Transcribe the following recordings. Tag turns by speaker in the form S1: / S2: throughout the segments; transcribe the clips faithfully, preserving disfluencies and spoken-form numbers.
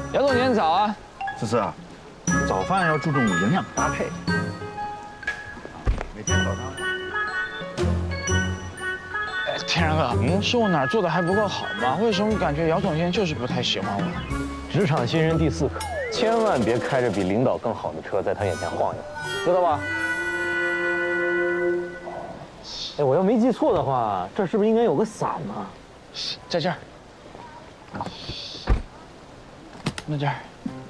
S1: 姚总监早啊！
S2: 思思啊，早饭要注重营养搭配。每天早上。
S1: 哎，天然哥，嗯，是我哪儿做的还不够好吗？为什么感觉姚总监就是不太喜欢我？
S3: 职场新人第四课，千万别开着比领导更好的车在他眼前晃悠，知道吧？哎，我要没记错的话，这是不是应该有个伞呢？
S1: 在这儿。那这儿。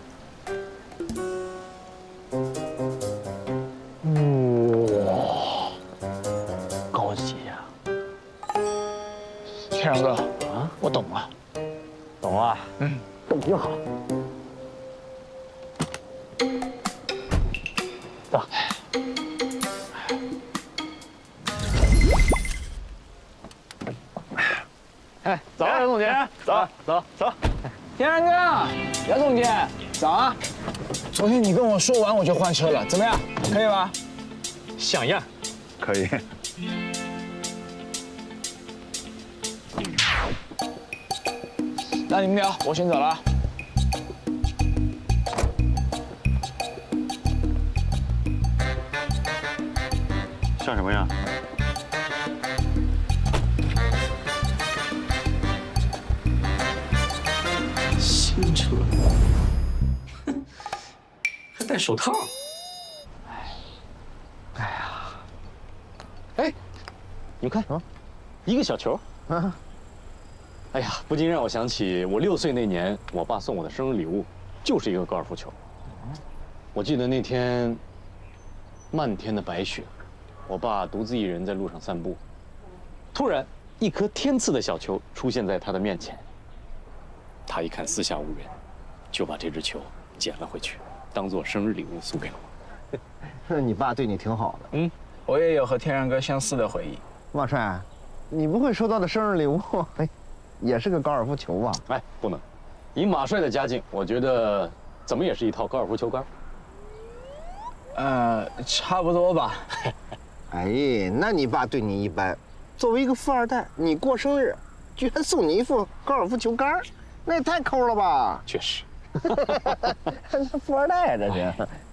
S3: 哇，高级呀！
S1: 天然哥啊，我懂了，
S3: 懂了，嗯，懂就好。走。
S1: 哎，早啊，姚总监，
S3: 走走走。
S1: 天然哥，姚总监，早啊！昨天你跟我说完我就换车了，怎么样？可以吧？
S3: 像样。
S2: 可以。
S1: 那你们聊，我先走了。
S2: 像什么样？
S3: 新车，哼，还戴手套。哎，哎呀，哎，你看啊，一个小球。啊。哎呀，不禁让我想起我六岁那年，我爸送我的生日礼物，就是一个高尔夫球。我记得那天，漫天的白雪，我爸独自一人在路上散步，突然，一颗天赐的小球出现在他的面前。他一看四下无人，就把这只球捡了回去，当做生日礼物送给了我。
S4: 那你爸对你挺好的。
S1: 嗯，我也有和天然哥相似的回忆。
S4: 马帅，你不会收到的生日礼物，哎，也是个高尔夫球吧？
S3: 哎，不能，以马帅的家境，我觉得怎么也是一套高尔夫球杆。
S1: 呃，差不多吧。
S4: 哎，那你爸对你一般。作为一个富二代，你过生日，居然送你一副高尔夫球杆，那也太抠了吧？
S3: 确实。
S4: 富二代啊，这是。